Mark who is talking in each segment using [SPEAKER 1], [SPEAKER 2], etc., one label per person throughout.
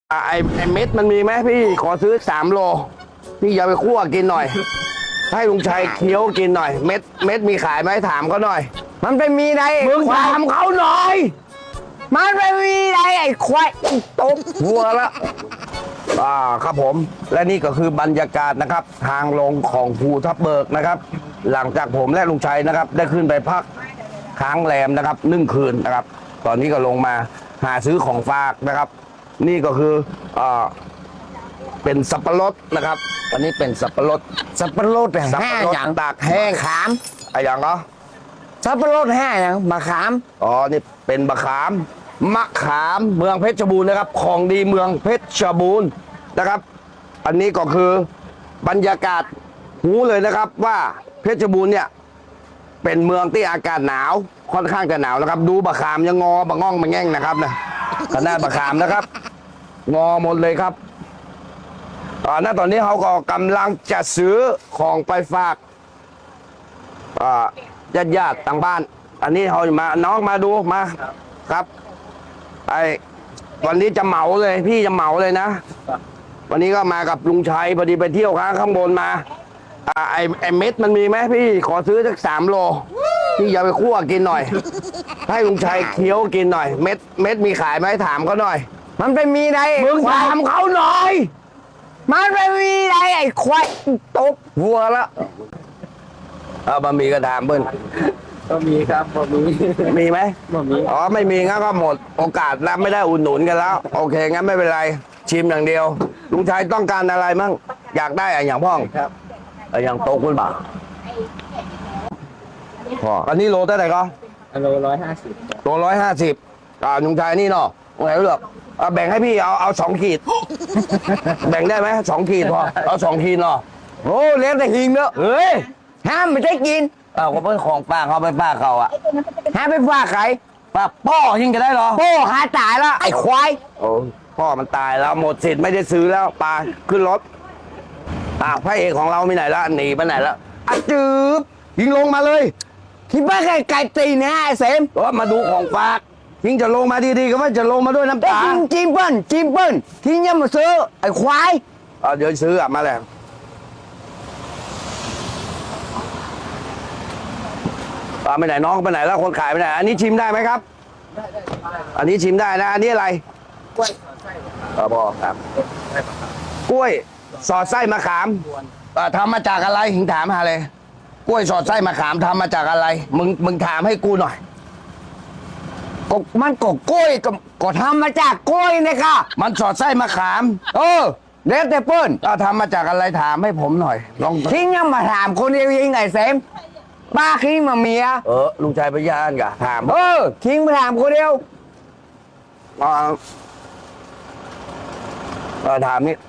[SPEAKER 1] ไอเม็ดมันมีไหมพี่ขอซื้อ3 โลพี่อย่าไปคั่วกินหน่อยให้ลุงชัยเคี้ยวกินหน่อยเม็ดมีขายไหมถามเขาหน่อย
[SPEAKER 2] มันไปมีไร
[SPEAKER 1] มึงถามเขาหน่อย
[SPEAKER 2] มันไปมีไรไอ้ควายตบ
[SPEAKER 1] หัวละครับผมและนี่ก็คือบรรยากาศนะครับทางลงของภูทับเบิกนะครับ หลังจากผมและลุงชัยนะครับ ได้ขึ้นไปพักค้างแรมนะครับ1 คืนนะครับ ตอนนี้ก็ลงมาหาซื้อของฝากนะครับ นี่ก็คือเป็นสับปะรดนะครับอันนี้เป็นสับปะรด
[SPEAKER 2] สับปะรด
[SPEAKER 1] สับ
[SPEAKER 2] แห้
[SPEAKER 1] ปะรด
[SPEAKER 2] อย่าง
[SPEAKER 1] ตากแห้ง
[SPEAKER 2] ขาม
[SPEAKER 1] อะไรอย่างเหรอ
[SPEAKER 2] สับปะรดแห้อย่างมะขาม
[SPEAKER 1] อ๋อนี่เป็นมะขามเมืองเพชรบูรณ์นะครับของดีเมืองเพชรบูรณ์นะครับ อันนี้ก็คือบรรยากาศหูเลยนะครับว่าเพชรบูรณ์เนี่ยเป็นเมืองที่อากาศหนาวค่อนข้างจะหนาวนะครับ ดูบะขามยังงอบะง่องบะแง่งนะครับนะขนาดบะขามนะครับ งอหมดเลยครับณตอนนี้เขาก็กำลังจะซื้อของไปฝากญาติต่างบ้าน อันนี้เขามาน้องมาดูมาครับวันนี้จะเหมาเลยพี่จะเหมาเลยนะ วันนี้ก็มากับลุงชัยพอดีไปเที่ยวข้างบนมาไอเม็ดมันมีไหมพี่ขอซื้อสัก3 โลพี่อย่าไปคั่วกินหน่อยให้ลุงชัยเคี้ยวกินหน่อยเม็ดมีขายไหมถามเขาหน่อย
[SPEAKER 2] มันไปมีไร
[SPEAKER 1] มึงถามเขาหน่อย
[SPEAKER 2] มันไปมีไรไอ้ควายตบ
[SPEAKER 1] หัวละบะหมี่ก็ถามเบิ้ล
[SPEAKER 3] ก็มีครับก็มี
[SPEAKER 1] มีไหม
[SPEAKER 3] ก็มี
[SPEAKER 1] อ๋อไม่มีงั้นก็หมดโอกาสแล้วไม่ได้อุดหนุนกันแล้วโอเคงั้นไม่เป็นไรชิมอย่างเดียวลุงชัยต้องการอะไรมั่งอยากได้อย่างพ่อง
[SPEAKER 3] ครับ
[SPEAKER 1] อย่างโตคุณบ่าพ่ออันนี้โลเท่าไหร่ก็
[SPEAKER 3] อันโล150
[SPEAKER 1] โล150ลุงชัยนี่เนาะไหนเลือกแบ่งให้พี่เอา2 ขีด แบ่งได้ไหม2 ขีดพอเอา2 ขีดเนาะ
[SPEAKER 2] โอ้เลี้ยงแต่หิงเนอะ
[SPEAKER 1] เฮ้ย
[SPEAKER 2] ห้ามไม่ได้กิน
[SPEAKER 1] ก็เป็นของป้าเขาไปป้าเขาอะ
[SPEAKER 2] ห้ามไปฝากใคร
[SPEAKER 1] ป้าพ่อยิงจะได้เหรอ
[SPEAKER 2] โป้หาตายแล้วไอ้ควาย
[SPEAKER 1] โอ้พ่อมันตายแล้วหมดสิทธิ์ไม่ได้ซื้อแล้วปลาขึ้นรถพระเอกของเราไปไหนละหนีไปไหนละจืบยิงลงมาเลย
[SPEAKER 2] คิดว่าไก่ตีนะไอ้เสม
[SPEAKER 1] มาดูของฝากยิงจะลงมาดีๆก็ว่าจะลงมาด้วยน้ำ
[SPEAKER 2] ไอ้
[SPEAKER 1] ตา
[SPEAKER 2] จิมเปิ้ลทิ้งยังมาซื้อไอ้ควาย
[SPEAKER 1] เดี๋ยวซื้อมาแล้วไปไหนน้องไปไหนแล้วคนขายไปไหนอันนี้ชิมได้ไหมครับอันนี้ชิมได้นะอันนี้อะไรกล้วยบอกครับกล้วยสอดไส้มะขามทำมาจากอะไรหิงถามหาเลยกล้วยสอดไส้มะขามทำมาจากอะไรมึงถามให้กูหน่อย
[SPEAKER 2] มันก็กล้วยก็ทำมาจากกล้วยเนี่ยค่ะ
[SPEAKER 1] มันสอดไส้มะขาม
[SPEAKER 2] เด็ดแต่เปิ้ล
[SPEAKER 1] ทำมาจากอะไรถามให้ผมหน่อยลอง
[SPEAKER 2] ทิ้งยังมาถามคนเดียวยิงไอ้เสมป้าทิ้งมาเมีย
[SPEAKER 1] ลุงชายพยานกะถาม
[SPEAKER 2] ทิ้งมาถามคนเดียว
[SPEAKER 1] ถามนี่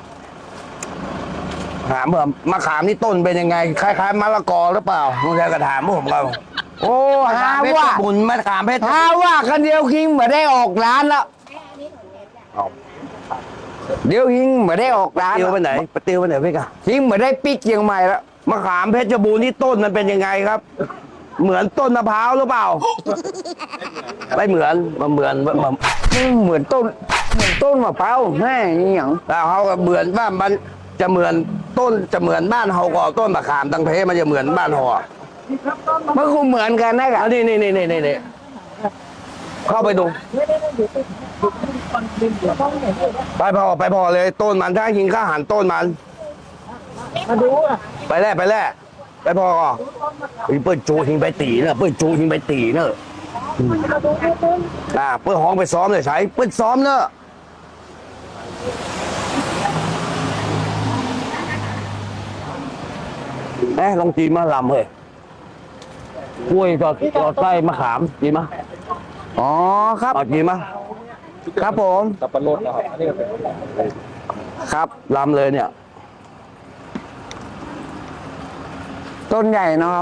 [SPEAKER 1] ถามเผื่อมะขามนี่ต้นเป็นยังไงคล้ายๆมะละกอหรือเปล่าลุงชายก็ถามผมเรา
[SPEAKER 2] โอ้หา
[SPEAKER 1] เพชร
[SPEAKER 2] ว่า
[SPEAKER 1] บุญมะขามเพชร
[SPEAKER 2] หาว่าคนเดียวทิ้งมาได้ออกร้านแล้วเดี๋ยวทิ้งมาได้ออกร้าน
[SPEAKER 1] ติวไปไหนไปติวไปไหนพี่กะ
[SPEAKER 2] ทิ้งมาได้ปิกเชียงใหม่แล้ว
[SPEAKER 1] มะขามเพชรบูรณ์นี่ต้นมันเป็นยังไงครับ เหมือนต้นมะพร้าวหรือเปล่าไม่เหมือนมันเหมือน
[SPEAKER 2] เหมือนต้นมะพร้าวแม่นี่อย่าง
[SPEAKER 1] แล้วเขาก็เหมือนว่ามันจะเหมือนต้นจะเหมือนบ้านเฮาก็ต้นมะขามตังเพมันจะเหมือนบ้านเฮาอ่ะ
[SPEAKER 2] มันคงเหมือนกันนะครับ
[SPEAKER 1] นี่เข้าไปดูไปพอเลยต้นมันถ้าหิงข้าหันต้นมันมาดูไปแล่ไปพอก็เปิ้ลจูหิงไปตีเนอะเปิ้ลจูหิงไปตีเนอะเปิ้ลห้องไปซ้อมเลยใช้เปิ้ลซ้อมเนอะลองจีมาลำเฮ้ยกล้วยจอดไส้มะขามจีมา
[SPEAKER 2] อ๋อครับ
[SPEAKER 1] เอาจีมา
[SPEAKER 2] ครับผม
[SPEAKER 3] สับปะรดนะครับอันนี้ก็เป็น
[SPEAKER 1] ครับลำเลยเนี่ย
[SPEAKER 2] ต้นใหญ่เนาะครับ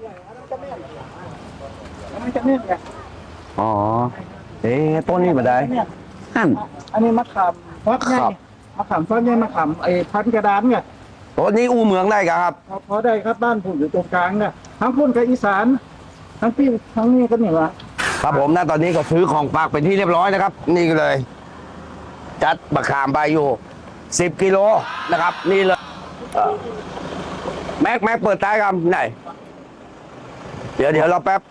[SPEAKER 3] มันจะเนี่ยไง
[SPEAKER 1] อ๋อต้นนี้มาได้
[SPEAKER 2] หั่น
[SPEAKER 3] อันนี้มะขามฟักไง
[SPEAKER 1] ครับ
[SPEAKER 3] มะขามฟักไงมะขามพันกระดานไง
[SPEAKER 1] ต้นนี้อูเมืองได้ครับ
[SPEAKER 3] พอได้ครับบ้านผมอยู่ตรงกลางเนี่ยทั้งพุ่นกับอีสานทั้งพี่ทั้งนี่ก็เหนือ
[SPEAKER 1] ครับผมนะตอนนี้ก็ซื้อของฝากเป็นที่เรียบร้อยนะครับ นี่เลยจัดมะขามไปอยู่10 กิโลนะครับ นี่เลยแม็กเปิดท้ายครับไหนเดี๋ยวเราแป๊บ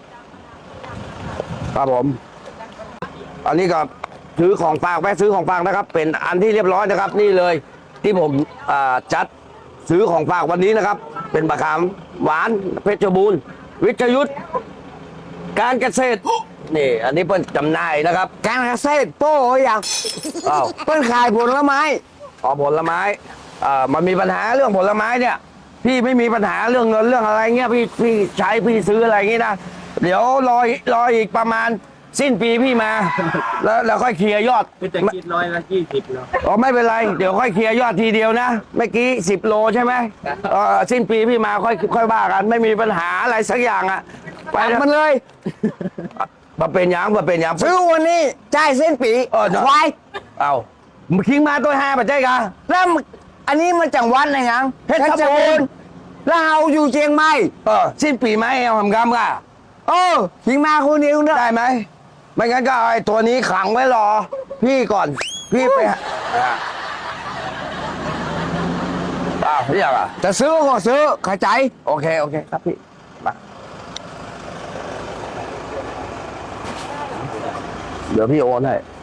[SPEAKER 1] ครับผม อันนี้ก็ซื้อของฝากแวะซื้อของฝากนะครับ เป็นอันที่เรียบร้อยนะครับ นี่เลยที่ผมจัดซื้อของฝากวันนี้นะครับ เป็นมะขามหวานเพชรบูรณ์วิทยุทธ์การเกษตรนี่ อันนี้เป็นจำหน่ายนะครับ
[SPEAKER 2] การเกษตรโป้อย่าง
[SPEAKER 1] อ้าว
[SPEAKER 2] เปิ้นขายผลไม้
[SPEAKER 1] อ๋อผลไม้มันมีปัญหาเรื่องผลไม้เนี่ย พี่ไม่มีปัญหาเรื่องเงินเรื่องอะไรเงี้ยพี่ใช้พี่ซื้ออะไรเงี้ยนะเดี๋ยวรออีกประมาณสิ้นปีพี่มา แล้วค่อยเคลียร์ยอด
[SPEAKER 3] คือจะคิด120แล้ว
[SPEAKER 1] อ๋อไม่เป็นไรเดี๋ยวค่อยเคลียร์ยอดทีเดียวนะเมื่อกี้10 โลใช่ไหมสิ้นปีพี่มาค่อยว่ากันไม่มีปัญหาอะไรสักอย่างอ่ะไป
[SPEAKER 2] ปัก
[SPEAKER 1] นะ
[SPEAKER 2] มันเลย
[SPEAKER 1] มาเป็นหยัง
[SPEAKER 2] ซื้อวันนี้จ่ายเส้นปี ควาย
[SPEAKER 1] เอาคิงมาตัว5ปัจจัยกะ
[SPEAKER 2] แล้วอันนี้มันจังหวัดไหนยังเพชรบูรณ์แล้วเราอยู่เชียงใหม่
[SPEAKER 1] สิ้นปีไหมเอาทำกรรมกะ
[SPEAKER 2] หิงมาคนเดียวเนอะ
[SPEAKER 1] ได้ไหมไม่งั้นก็เอาไอ้ตัวนี้ขังไว้รอ พี่ก่อนพี่ไปเรียกอ่ะ
[SPEAKER 2] จะซื้อก็ซื้อเข้าใจ
[SPEAKER 1] โอเคครับพี่มาเดี๋ยวพี่โอนให้